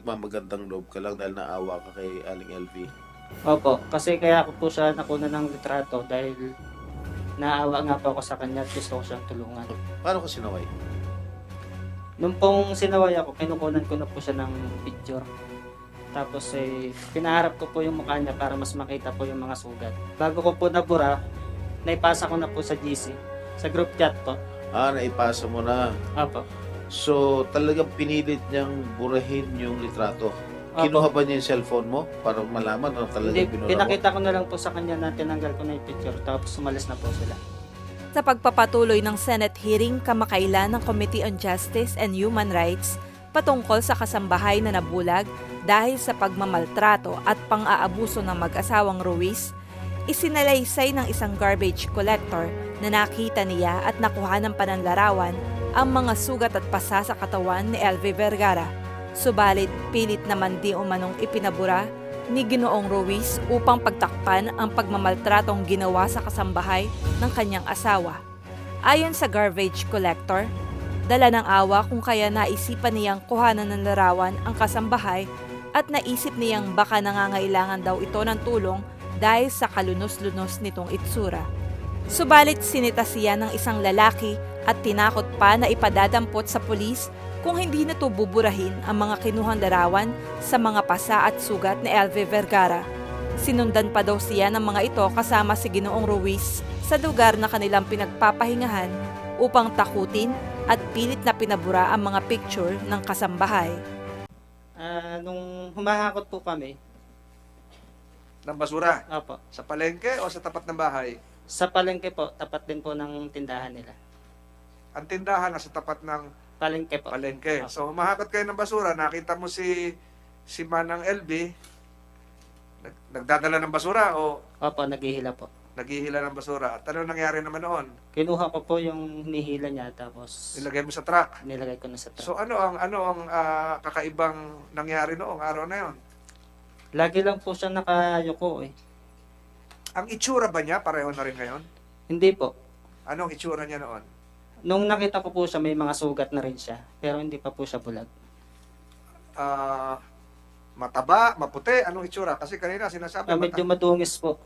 nagmamagandang loob ka lang dahil naawa ka kay Aling LV? Opo, kasi kaya ako po siya nakuna ng litrato dahil naawa nga po ako sa kanya at gusto ko siyang tulungan. Paano ka sinaway? Nung pong sinaway ako, kinukunan ko na po siya ng picture. Tapos pinaharap ko po yung mukha niya para mas makita po yung mga sugat. Bago ko po nabura, naipasa ko na po sa GC, sa group chat po. Naipasa mo na. Opo. So, talagang pinilit niyang burahin yung litrato. Opo. Kinuha ba niya yung cellphone mo para malaman na talagang Hindi, binura mo? pinakita ko na lang po sa kanya na tinanggal ko na yung picture tapos sumalis na po sila. Sa pagpapatuloy ng Senate hearing kamakailan ng Committee on Justice and Human Rights patungkol sa kasambahay na nabulag dahil sa pagmamaltrato at pang-aabuso ng mag-asawang Ruiz, isinalaysay ng isang garbage collector na nakita niya at nakuha ng pananlarawan ang mga sugat at pasa sa katawan ni LV Vergara. Subalit pilit naman di umanong ipinabura ni Ginoong Ruiz upang pagtakpan ang pagmamaltratong ginawa sa kasambahay ng kanyang asawa. Ayon sa garbage collector, dala ng awa kung kaya naisipan niyang kuhanan ng larawan ang kasambahay at naisip niyang baka nangangailangan daw ito ng tulong dahil sa kalunos-lunos nitong itsura. Subalit sinita siya ng isang lalaki at tinakot pa na ipadadampot sa pulis kung hindi na ito buburahin ang mga kinuhang larawan sa mga pasa at sugat ni LV Vergara. Sinundan pa daw siya ng mga ito kasama si Ginoong Ruiz sa lugar na kanilang pinagpapahingahan upang takutin at pilit na pinabura ang mga picture ng kasambahay. Nung humahakot po kami, Ng basura? opo, Sa palengke o sa tapat ng bahay? sa palengke po, tapat din po ng tindahan nila. Ang tindahan nasa tapat ng Palengke po. palengke. Opo. So humahakot kayo ng basura, nakita mo si Manang LB, nagdadala ng basura o Opo, naghihila po. naghihila ng basura. At ano nangyari naman noon? Kinuha ko po yung hinihila niya tapos Nilagay mo sa truck. nilagay ko na sa truck. So ano ang kakaibang nangyari noong araw na yon? Lagi lang po siya nakayuko eh. Ang itsura ba niya pareho na rin ngayon? Hindi po. Anong itsura niya noon? Nung nakita ko po siya, may mga sugat na rin siya. Pero hindi pa po siya bulag. Mataba, maputi, anong itsura? Kasi kanina sinasabi Medyo madungis po.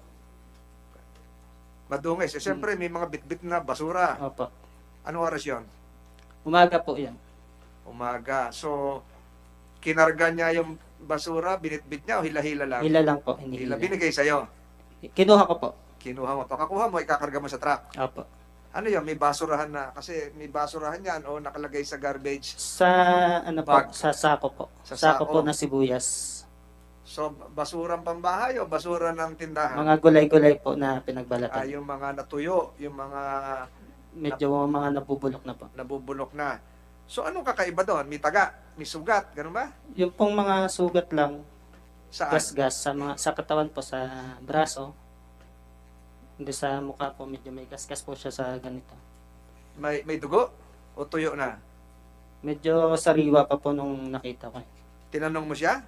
madungis. Siyempre may mga bitbit na basura. Opo. Anong oras yon? Umaga po yan. Umaga. So, kinarga niya yung basura, binitbit niya o hila-hila lang? Hila lang po. Hila. Hinihila. Binigay sa'yo. Kinuha ko po. Kinuha mo. Pagkakuha mo, ikakarga mo sa truck. Opo. Ano yun? May basurahan na. Kasi may basurahan yan o nakalagay sa garbage. Sa ano po, Bag. sa sako po. Sa Sako po sako. na sibuyas. So, basurang pambahay o basura ng tindahan? Mga gulay-gulay po na pinagbalatan. Yung mga natuyo, yung mga Medyo mga nabubulok na po. nabubulok na. So, anong kakaiba doon? May taga, may sugat, ganun ba? Yung pong mga sugat lang, Saan? gas-gas sa katawan po, sa braso. Hindi sa mukha po, medyo may gas-gas po siya sa ganito. May dugo? O tuyo na? Medyo sariwa pa po nung nakita ko. Tinanong mo siya?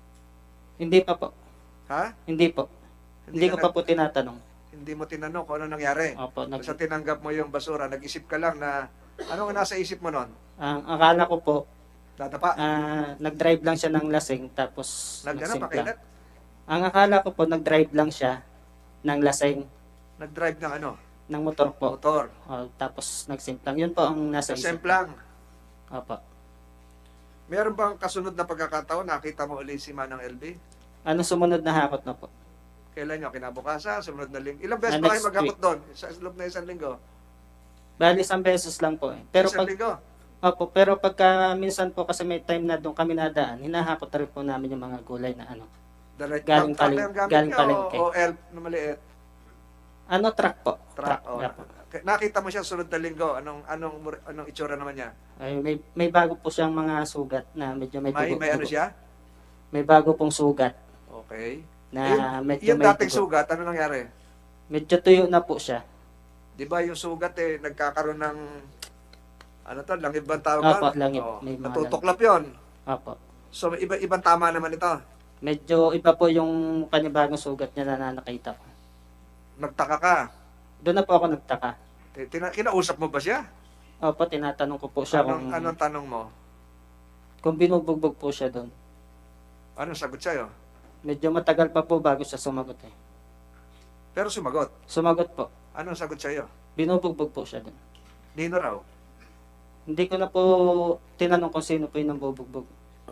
Hindi pa po. Ha? Hindi po. Hindi ko ka pa po tinatanong. Hindi mo tinanong kung ano nangyari. Opo, Basta tinanggap mo yung basura, nag-isip ka lang na, ano nga nasa isip mo nun? ang akala ko po, Dadapa? nag-drive lang siya ng lasing tapos Ano, nagsimpla. pakilat? Ang akala ko po, nag-drive lang siya ng lasing Nag-drive ng ano? ng motor po. Motor. Tapos nagsimplang. Yun po ang nasa Sa isip. semplang. Opo. Meron bang kasunod na pagkakataon, nakita mo ulit si Manang LB? Ano sumunod na hakot na po? Kailan nyo? Kinabukasan? Sumunod na linggo? Ilang beses ba kayo Next maghakot doon? Sa loob na isang linggo? Bali, 1 beses lang po eh. Pero Isang pag, linggo? opo, pero pagka minsan po kasi may time na doon kami nadaan, hinahakot na rin po namin yung mga gulay na ano. Galing Truck paling- ang gamit galing niya palengke. o elf na maliit? Ano, truck po? Truck. Oh. yeah po. Nakita mo siya sunod na linggo. Anong itsura naman niya? Ay, may bago po siyang mga sugat na medyo may dugo. May ano dugo. siya? May bago pong sugat Okay. na medyo Yung may dating dugo. sugat, ano nangyari? Medyo tuyo na po siya. Di ba yung sugat nagkakaroon ng ano to, langib bang tawag Opo, doon? langib. Oo. May mga Natutuklap yon. Opo. So, ibang tama naman ito. Medyo iba po yung panibagong sugat niya na nakita ko. Nagtaka ka. Doon na po ako nagtaka. Kinausap mo ba siya? Opo, tinatanong ko po siya Anong tanong mo? kung binubugbog po siya doon. Anong sagot sa'yo? Medyo matagal pa po bago siya sumagot eh. Pero sumagot. Sumagot po. Anong sagot sa'yo? Binubugbog po siya dun. Nino raw. Hindi ko na po tinanong kung sino po yung nambubugbog.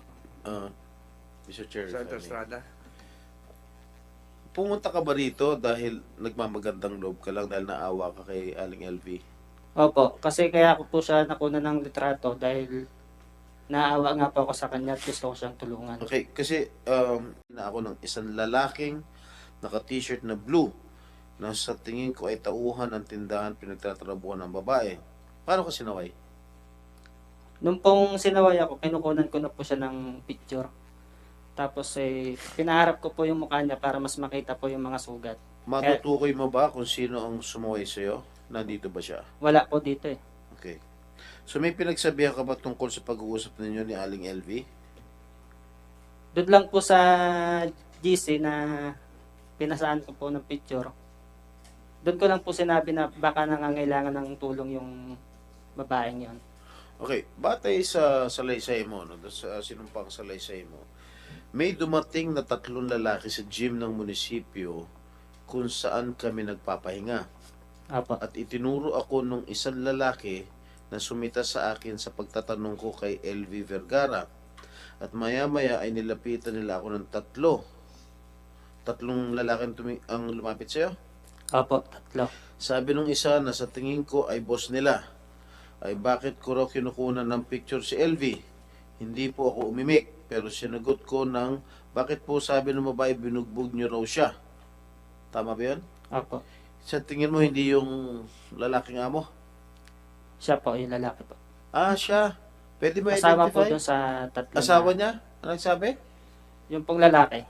Mr. Chair, if I Senator may. Estrada. Pumunta ka ba rito dahil nagmamagandang loob ka lang dahil naawa ka kay Aling LV? Opo, kasi kaya ako po siya nakuna ng litrato dahil naawa nga po ako sa kanya at gusto ko siyang tulungan. Okay, kasi na ako ng isang lalaking naka-t-shirt na blue na sa tingin ko ay tauhan ng tindahan pinagtatrabuhan ng babae. Paano ka sinaway? Nung pong sinaway ako, kinukunan ko na po siya ng picture. Tapos pinaharap ko po yung mukha niya para mas makita po yung mga sugat. Matutukoy mo ba kung sino ang sumaway sa'yo? Nandito ba siya? Wala po dito eh. Okay. So may pinagsabihan ka ba tungkol sa pag-uusap ninyo ni Aling LV? Doon lang po sa GC na pinasaan ko po ng picture. Doon ko lang po sinabi na baka nangangailangan ng tulong yung babaeng yon. Okay, batay sa salaysay mo, no, sa sinumpang salaysay mo, may dumating na 3 lalaki sa gym ng munisipyo kung saan kami nagpapahinga. Apo. At itinuro ako nung isang lalaki na sumita sa akin sa pagtatanong ko kay LV Vergara. At maya-maya ay nilapitan nila ako ng 3. 3 lalaki ang lumapit sa'yo? Apo, 3. Sabi nung isa na sa tingin ko ay boss nila, ay bakit ko raw kinukunan ng picture si LV? Hindi po ako umimik, pero sinagot ko ng bakit po sabi ng babae binugbog niyo raw siya? Tama ba yun? Apo. Sa tingin mo hindi yung lalaking amo? Siya po, yung lalaki po. Ah, siya. Pwede ba Kasama po identify? doon sa 3. Asawa niya? Ano nagsabi? Yung pong lalaki.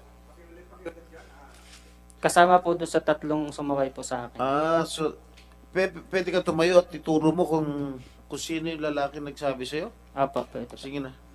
Kasama po doon sa 3 sumaway po sa akin. Ah, so pwede ka tumayo at ituro mo kung sino yung lalaki nagsabi sa'yo? Apo, pwede po. Sige na.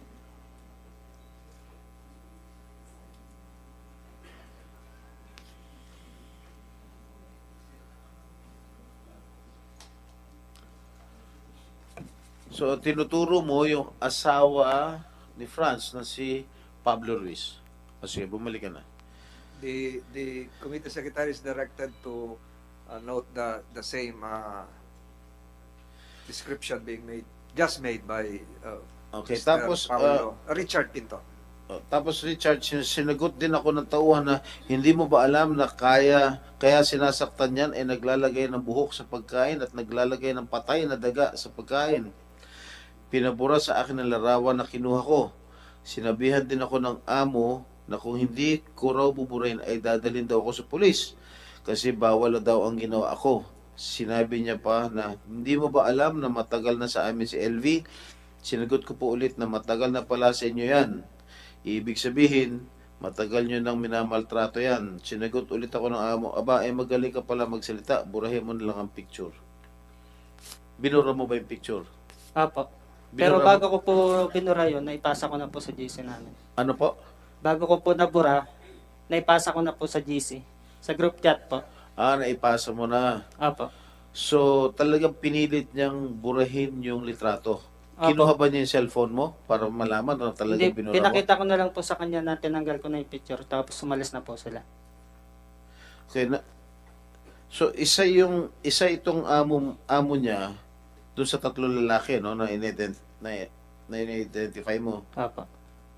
So, tinuturo mo yung asawa ni Franz na si Pablo Ruiz. O sige, bumalik ka na. The committee secretary is directed to note the same description being made, just made by Okay, Mr. tapos Richard Pinto. tapos Richard, sinagot din ako ng tauhan na hindi mo ba alam na kaya sinasaktan yan ay naglalagay ng buhok sa pagkain at naglalagay ng patay na daga sa pagkain. Pinabura sa akin ang larawan na kinuha ko. Sinabihan din ako ng amo na kung hindi ko raw buburahin ay dadalhin daw ako sa pulis kasi bawal na daw ang ginawa ako. Sinabi niya pa na hindi mo ba alam na matagal na sa amin si LV? Sinagot ko po ulit na matagal na pala sa inyo yan. Ibig sabihin, matagal nyo nang minamaltrato yan. Sinagot ulit ako ng amo, aba, magaling ka pala magsalita, burahin mo na lang ang picture. Binura mo ba yung picture? Apo. Pero Binura bago ko po binura yun, naipasa ko na po sa GC namin. Ano po? Bago ko po nabura, naipasa ko na po sa GC. Sa group chat po. Ah, naipasa mo na. Apo. So, talagang pinilit niyang burahin yung litrato. Apo. Kinuha ba niya yung cellphone mo para malaman na talagang Hindi, binura mo? pinakita ko na lang po sa kanya na tinanggal ko na yung picture tapos sumalis na po sila. Okay, so, isa itong amo niya doon sa 3 lalaki, no, na in-identify mo. Apo.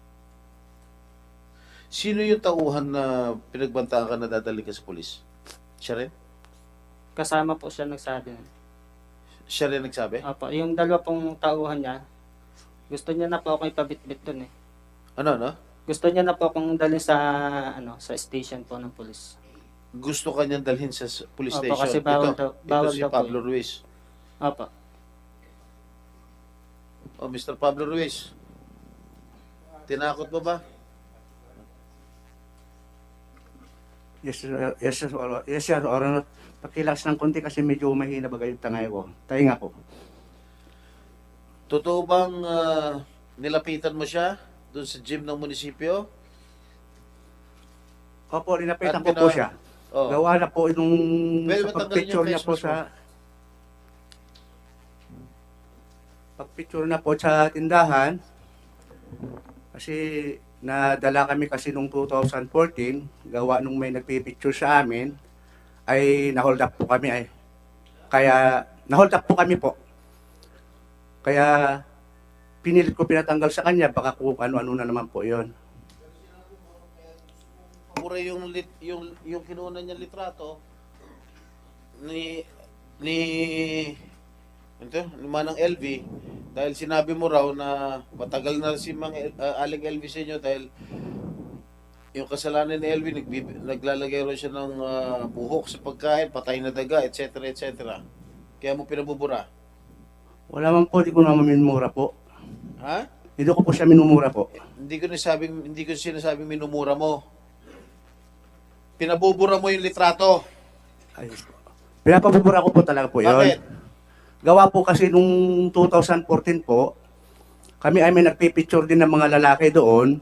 Sino yung tauhan na pinagbantaan ka na dadali ka sa pulis? Siya rin? Kasama po siya nagsabi. Siya rin nagsabi? Apo, yung 2 pong tauhan niya, gusto niya na po akong ipabitbit dun eh. Ano? Gusto niya na po akong dalhin sa sa station po ng pulis. Gusto ka niyang dalhin sa police Opo, station. kasi bawal ito bawal si daw po Pablo yun. Ruiz. Apo. Oh, Mr. Pablo Ruiz. Tinakot mo ba? Yes, sir. Yes, sir. Or, pakilas ng konti kasi medyo mahina bagay yung tangay ko. Tahinga ko. Totoo bang nilapitan mo siya doon sa gym ng munisipyo? Opo, linapitan At ko po siya. Oh. Gawa na po nung Pwede sa ba tanggalin pagpicture yung niya face po mask sa... Pagpicture na po sa tindahan, kasi Nadala kami kasi nung 2014, gawa nung may nagpipicture sa amin, ay na-hold up po kami ay. Kaya, na-hold up po kami po. Kaya, pinilit ko pinatanggal sa kanya, baka kung ano-ano na naman po yon. Mura yung kinuha niya litrato ni Manang LV dahil sinabi mo raw na matagal na si Aling LV sa inyo dahil yung kasalanan ni LV naglalagay raw siya ng buhok sa pagkain, patay na daga, etc. etc. Kaya mo pinabubura. Wala man po, di ko naman minumura po. Ha? Hindi ko po siya minumura po. Hindi ko sinasabing minumura mo. Pinabubura mo yung litrato. Ayos po. Pinapabubura ko po talaga po yun. Bakit? Gawa po kasi nung 2014 po, kami ay may nagpipicture din ng mga lalaki doon.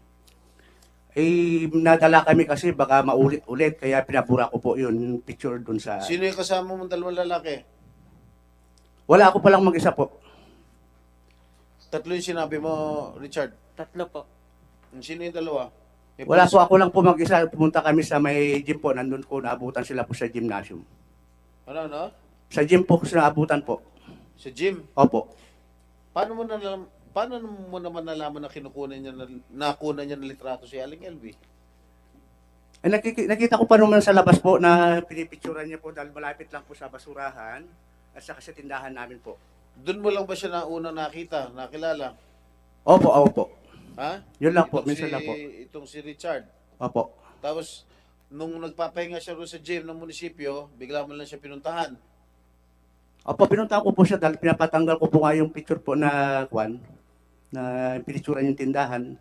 Eh, nadala kami kasi baka maulit-ulit, kaya pinabura ko po yun, yung picture doon sa... Sino yung kasama mong dalawang lalaki? Wala ako palang mag-isa po. Tatlo yung sinabi mo, Richard. 3 po. Sino yung dalawa? May Wala pulis- po, ako lang po mag-isa. Pumunta kami sa may gym po, nandun ko, naabutan sila po sa gymnasium. Ano? Sa gym po, sa naabutan po. Sa gym. Opo. Paano mo naman nalaman na nakunan niya ng litrato si Aling LV? Ay, nakita ko pa naman sa labas po na pinipicturan niya po dahil malapit lang po sa basurahan at saka sa tindahan namin po. Doon mo lang ba siya nauna nakilala? Opo. Ha? Yun lang po, minsan lang po. Itong si Richard. Opo. Tapos, nung nagpapahinga siya roon sa gym ng munisipyo, bigla mo lang siya pinuntahan. Opo, pinunta ko po siya dahil pinapatanggal ko po nga yung picture po na pinicturan yung tindahan.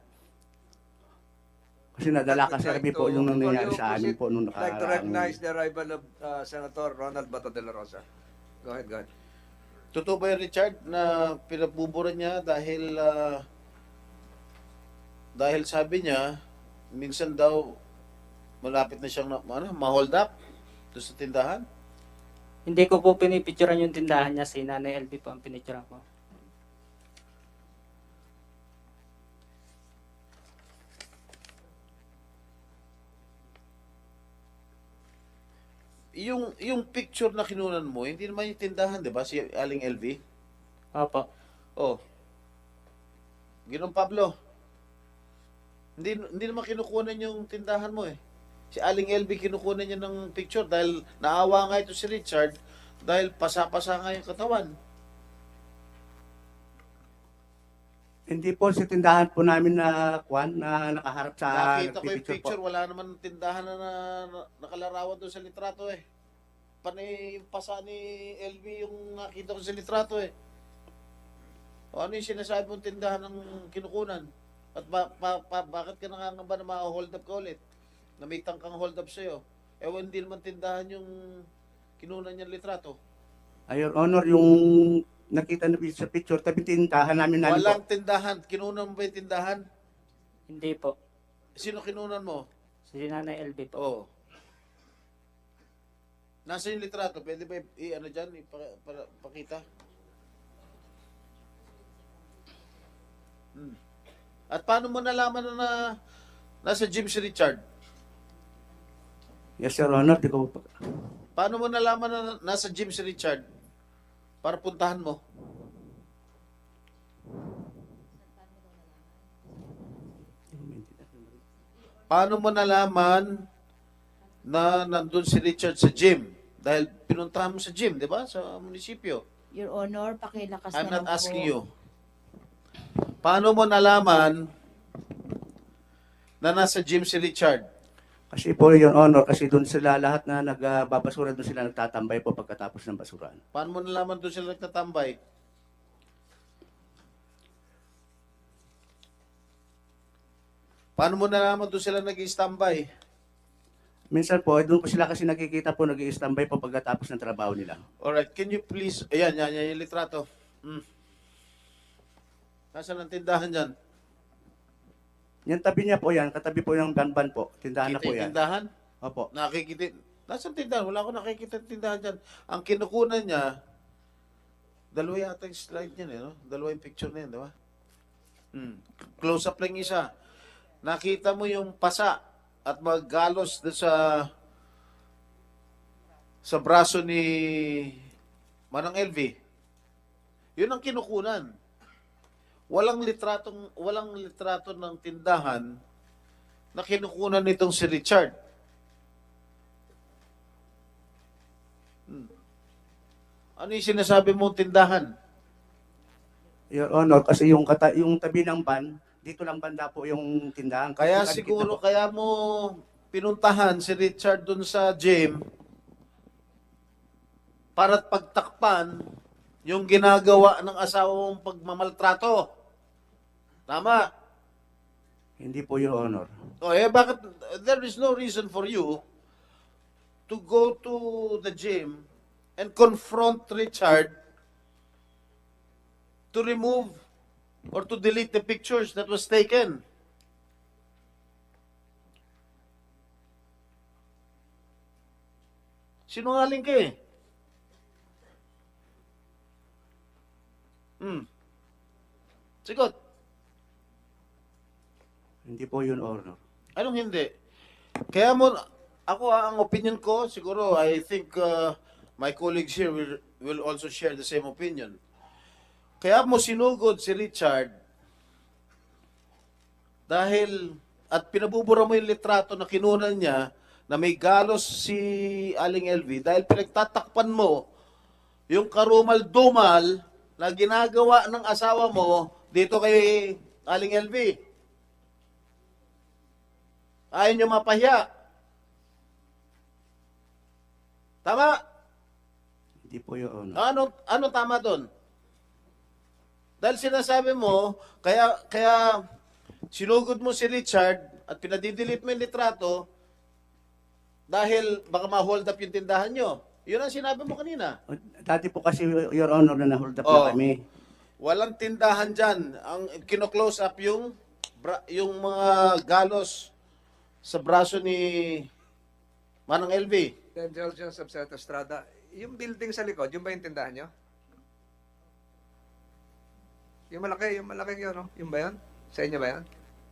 Kasi nadala kasi kami po yung nangyayari sa amin po nung I'd like to nakaraang... recognize the arrival of Senator Ronald Bato de la Rosa. Go ahead. Totoo ba yun, Richard, na pinabubura niya dahil sabi niya, minsan daw malapit na siyang ma-hold up doon sa tindahan? Hindi ko po pinipicturean yung tindahan niya, si Nanay LB po ang pinicturean ko. Yung picture na kinunan mo, hindi naman yung tindahan, 'di ba? Si Aling LV. Opo. Oh. Ginong Pablo. Hindi naman kinukunan yung tindahan mo eh. Si Aling LV kinukunan niya ng picture dahil naawa nga ito si Richard dahil pasa-pasa nga yung katawan. Hindi po sa tindahan po namin na nakaharap sa Nakita ko yung nagpipicture po. picture, wala naman tindahan na nakalarawan doon sa litrato eh. Panay yung pasa ni LV yung nakita ko sa litrato eh. O ano yung sinasabi mong tindahan ng kinukunan? At bakit ka nangangamba na ma-hold up ka ulit? Na may tangkang hold up sa'yo. Ewan, hindi naman tindahan yung kinunan niyang litrato. Your Honor, yung nakita na sa picture, tabi tindahan namin po. Walang tindahan. Kinunan mo ba yung tindahan? Hindi po. Sino kinunan mo? Si Nanay LB po. Oo. Nasa yung litrato? Pwede ba ano dyan? Pakita? At paano mo nalaman na nasa gym si Richard? Yes, Your Honor, di ko po. Paano mo nalaman na nasa gym si Richard? Para puntahan mo. Paano mo nalaman na nandun si Richard sa gym? Dahil pinuntahan mo sa gym, di ba? Sa munisipyo. Your Honor, pakilakas I'm na not lang asking po. you. Paano mo nalaman na nasa gym si Richard? Kasi po, Your Honor, kasi doon sila lahat na nagbabasura, doon sila nagtatambay po pagkatapos ng basuran. Paano mo nalaman doon sila nagtatambay? Paano mo nalaman doon sila nag-standby? Minsan po, doon po sila kasi nakikita po, nag-i-standby po pagkatapos ng trabaho nila. Alright, can you please, ayan, yung litrato. Nasaan ang tindahan dyan? Yan tabi niya po yan, katabi po yung banban po. Tindahan na Kita po yung yan. tindahan? Opo. Nakikita, nasaan tindahan? Wala akong nakikita yung tindahan dyan. Ang kinukunan niya, dalawa yata yung slide niya, no? Dalawa yung picture na yan, di ba? Close up lang isa. nakita mo yung pasa at maggalos doon sa braso ni Manang LV. Yun ang kinukunan. Walang litrato ng tindahan na kinukunan nitong si Richard. Ano yung sinasabi mong tindahan? Your Honor, kasi yung tabi ng van, dito lang banda po yung tindahan. Kaya Kasi siguro, nakikita po. kaya mo pinuntahan si Richard dun sa gym para pagtakpan yung ginagawa ng asawa mong pagmamaltrato. Tama. Hindi po, Your Honor. O bakit there is no reason for you to go to the gym and confront Richard to remove or to delete the pictures that was taken? Sinungaling ka eh. Sigot. Hindi po, Your Honor. Anong hindi? Kaya mo, ang opinion ko, siguro, I think my colleagues here will also share the same opinion. Kaya mo sinugod si Richard dahil, at pinabubura mo yung litrato na kinunan niya na may galos si Aling LV dahil pinagtatakpan mo yung karumal-dumal na ginagawa ng asawa mo dito kay Aling LV. Ayaw nyo mapahiya. Tama? Hindi po, Your Honor. Ano tama doon? Dahil sinasabi mo, kaya sinugod mo si Richard at pinadidelete mo yung litrato dahil baka ma-hold up yung tindahan nyo. Yun ang sinabi mo kanina. Dati po kasi, Your Honor, na na-hold up Oh. na kami. Walang tindahan dyan. Ang kino-close up yung mga galos sa braso ni Manang LV. Then Johnson sa Santa Estrada, yung building sa likod, yung ba yung tindahan nyo? Yung malaki yun, no? Yung ba yun? Sa inyo ba yun?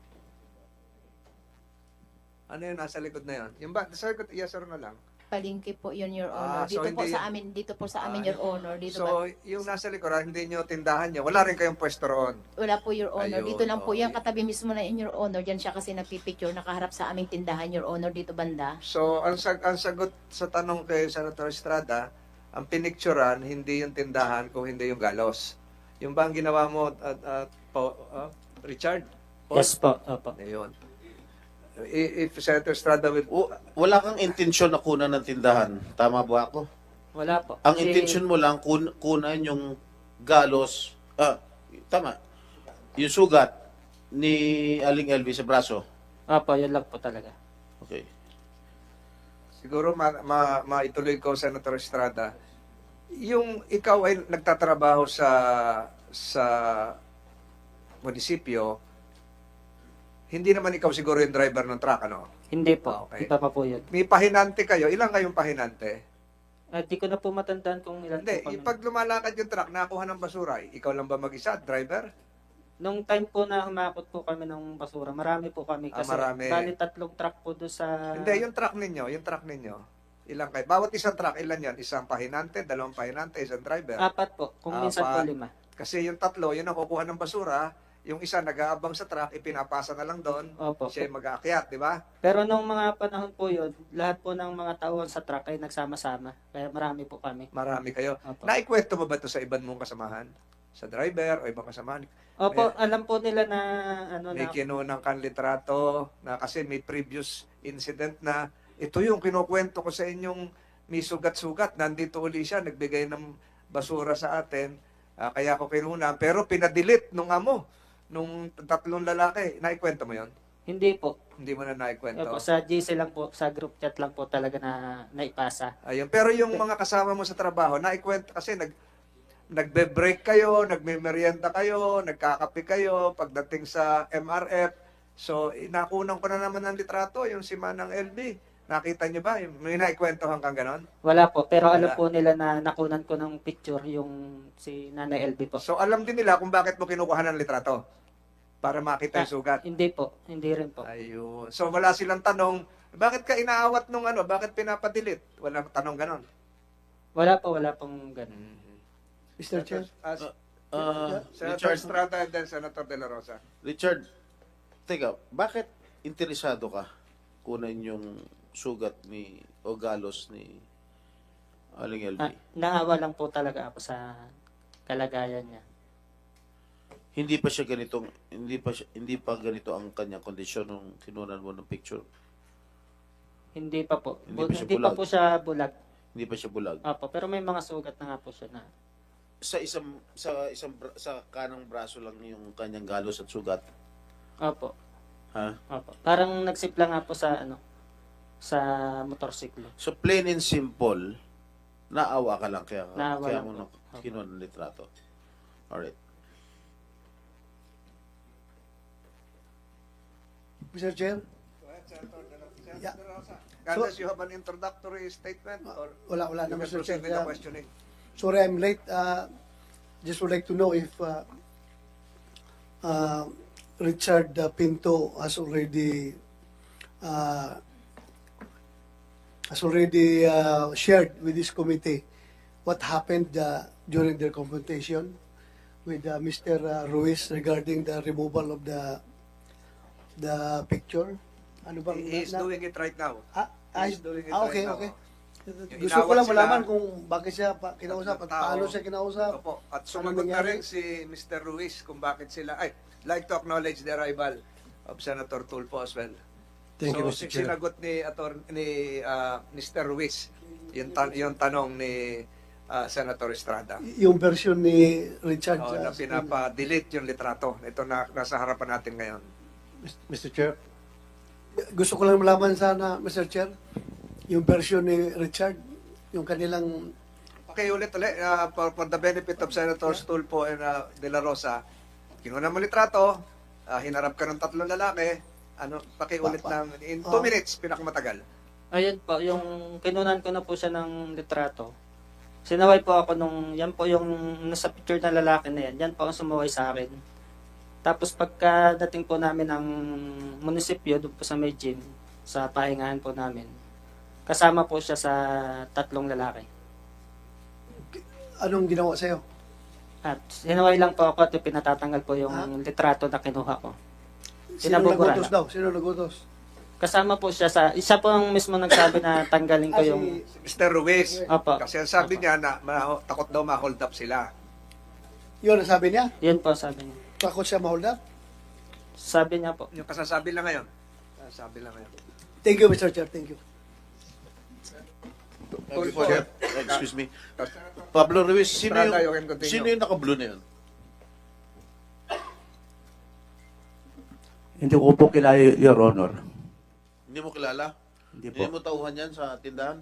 Ano yun, nasa likod na yun? Yung ba, sa likod, yes or no lang? Palengke po yun, Your Honor. So Dito po sa amin, Your Honor. Dito So, yung nasa likod, hindi nyo tindahan nyo, wala rin kayong pwesto roon. wala po, Your Honor. Ayun, Dito lang po yan, okay. katabi mismo na yun, Your Honor. Diyan siya kasi nagpipicture, nakaharap sa aming tindahan, Your Honor, dito banda. So, ang sagot sa tanong kay Senator Estrada, ang pinicturan, hindi yung tindahan, kung hindi yung galos. Yung ba ang ginawa mo, Richard? Yes po, opo. Ayun. If Senator Estrada will... Wala kang intensyon na kunan ng tindahan. Tama ba ako? Wala po. Ang Kasi- intention mo lang kunan yung galos. Tama. Yung sugat ni Aling LV sa braso. Opo, yun lang po talaga. Okay. Siguro maituloy ko, Senator Estrada. Yung ikaw ay nagtatrabaho sa munisipyo, hindi naman ikaw siguro yung driver ng truck, ano? Hindi po. Okay. Iba pa po yun. May pahinante kayo. Ilan kayong pahinante? Di ko na po matandaan kung ilan Hindi, po kami. pag lumalakad yung truck, nakuha ng basura, ikaw lang ba mag-isa, driver? Nung time po na humakot po kami ng basura, marami po kami. Kasi Marami. bali 3 truck po doon sa... Hindi, yung truck ninyo. Ilang kayo? Bawat isang truck, ilan yan? Isang pahinante, 2 pahinante, isang driver. 4 po. Kung minsan po 5. Kasi yung 3, yun ang kukuha ng basura. Yung isa nag-aabang sa truck, ipinapasa na lang doon. Opo. Siya yung mag-aakyat, di ba? Pero nung mga panahon po yun, lahat po ng mga tauhan sa truck ay nagsama-sama. Kaya marami po kami. Marami kayo. Opo. Naikwento mo ba ito sa ibang mong kasamahan? Sa driver o ibang kasamahan? Opo, alam po nila na ano May na kinunang kang litrato na kasi may previous incident na ito yung kinukwento ko sa inyong may sugat-sugat. Nandito uli siya, nagbigay ng basura sa atin. Kaya ko kinuna. Pero pinadelete nung amo, nung 3 lalaki. Naikwento mo yon? hindi po. Hindi mo na naikwento. Opo, sa GC lang po, sa group chat lang po talaga na naipasa. Ayun. Pero yung mga kasama mo sa trabaho, naikwento kasi nagbe-break kayo, nagme-merienda kayo, nagkakape kayo, pagdating sa MRF. So, nakunan ko na naman ng litrato, yung si Manang LB. Nakita niyo ba? May naikwentohan kang ganon? Wala po, pero alam Wala. po nila na nakunan ko ng picture yung si Nanay LB po. So, alam din nila kung bakit mo kinukuha ng litrato. para makita yung sugat. Hindi po, hindi rin po. Ayun. So wala silang tanong, bakit ka inaawat nung ano, bakit pinapadilit? Walang tanong ganon. Wala pong ganun. Mr. Chair, Senator Richard, Estrada and then Senator De La Rosa. Richard, teka, bakit interesado ka kunin yung sugat ni o galos ni Aling LB? Naawa lang po talaga ako sa kalagayan niya. Hindi pa ganito ang kanyang kondisyon nung kinunan mo ng picture. Hindi pa po. Hindi pa siya Hindi pa bulag. po siya bulag. Hindi pa siya bulag. Opo, pero may mga sugat na nga po siya na. Sa kanang braso lang yung kanyang galos at sugat. Opo. Ha? Opo. Parang nagsipla nga po sa sa motorsiklo. So plain and simple, naawa ka lang Naawa kaya lang mo po. kinuha ng litrato. Alright. Mr. Chair, Yeah. Candace, you have an introductory statement or wala you na can Mr. proceed Chair. with the questioning? Sorry I'm late. Just would like to know if Richard Pinto has already shared with this committee what happened during their confrontation with Mr. Ruiz regarding the removal of the picture. Ano bang He is doing it right now. He's doing it okay, right now. okay. Yung Gusto ko inawat lang sila, malaman kung bakit siya kinausap at tao. paano siya kinausap. Opo. At Ano sumagot na nangyari? rin si Mr. Ruiz kung bakit sila, like to acknowledge the arrival of Senator Tulfo as well. Thank you, So, Mr. Chair. sinagot ni Mr. Ruiz yung tanong ni Senator Estrada. Yung version ni Richard. Na pinapa-delete yung litrato. Ito na nasa harapan natin ngayon. Mr. Chair. Gusto ko lang malaman sana, Mr. Chair, yung version ni Richard, yung kanilang Pakiulit ulit, for the benefit of Senators Tulfo and De La Rosa, kinuha mo litrato, hinarap ka ng 3 lalaki, pakiulit ng in 2 minutes, pinakamatagal. Ayun po, yung kinunan ko na po siya ng litrato. Sinaway po ako yan po yung nasa picture na lalaki na yan po ang sumaway sa akin. Tapos pagkadating po namin ng munisipyo, doon po sa may gym, sa pahingahan po namin, kasama po siya sa 3 lalaki. anong ginawa sa'yo? At sinaway lang po ako at pinatatanggal po yung litrato na kinuha ko. Sino Pinabubura nagutos lang. daw? Sino nagutos? Kasama po siya isa po ang mismo nagsabi na tanggalin ko yung... Mr. Ruiz, Opo. kasi ang sabi niya na takot daw ma-hold up sila. Yun ang sabi niya? Yun po sabi niya. Takot siya ma-hold up? Sabi niya po. Yung kasasabi lang ngayon. Kasasabi lang ngayon. Thank you, Mr. Chair. Thank you. Tulfo, Excuse me. Pablo Ruiz, Estrada, you can continue. sino yung naka-blue na yun? Hindi ko po kilala, Your Honor. Hindi mo kilala? Hindi Hindi po. mo tauhan yan sa tindahan?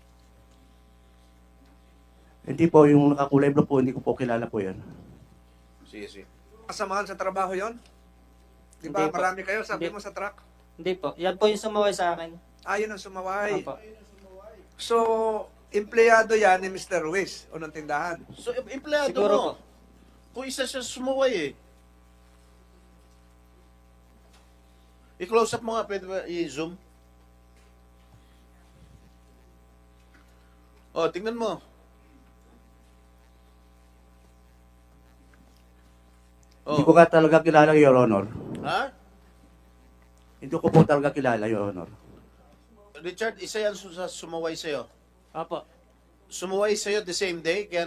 Hindi po, yung nakakulay blue po, hindi ko po kilala po yan. Sige, sige. Kasamahan sa trabaho yon? Di ba? Hindi po. Marami kayo, sabi Hindi. mo sa truck. Hindi po. Yan po yung sumaway sa akin. Yun ang sumaway. Opo. So, empleyado yan ni Mr. Ruiz, unang tindahan. So, empleyado Siguro mo. po. Kung isa siya sumuway eh. I-close up mo nga, pwede ba i-zoom? Oh, tingnan mo. Hindi ko Oh. ka talaga kilala, Your Honor. Ha? Hindi ko po talaga kilala, Your Honor. Richard, isa yan sa sumaway sa'yo. Opo. Sumaway sa'yo the same day, kaya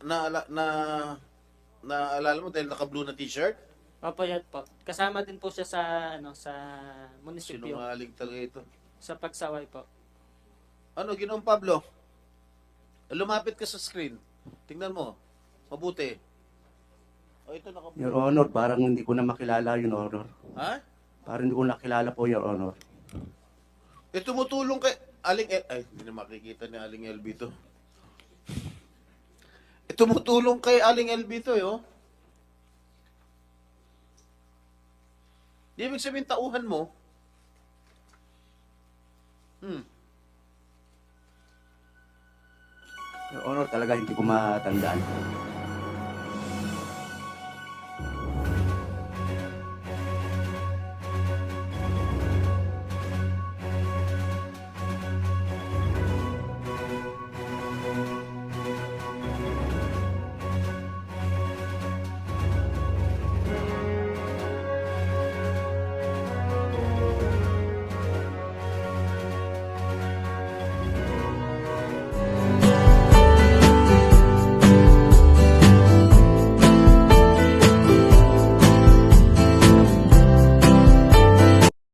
naalala mo dahil naka-blue na t-shirt? Opo, yan po. Kasama din po siya sa sa munisipyo. Sinungaling talaga ito. Sa pagsaway po. Ano, Ginoong Pablo? Lumapit ka sa screen. Tingnan mo. Mabuti. Oh, ito naka-blue. Your Honor, parang hindi ko na makilala, Your Honor. Ha? Parang hindi ko nakilala po, Your Honor. Tumutulong kay Aling ay, hindi na makikita ni Aling LB to. Tumutulong kay Aling LB to, yo. Di ibig sabihin tauhan mo. Your Honor, talaga hindi ko matandaan.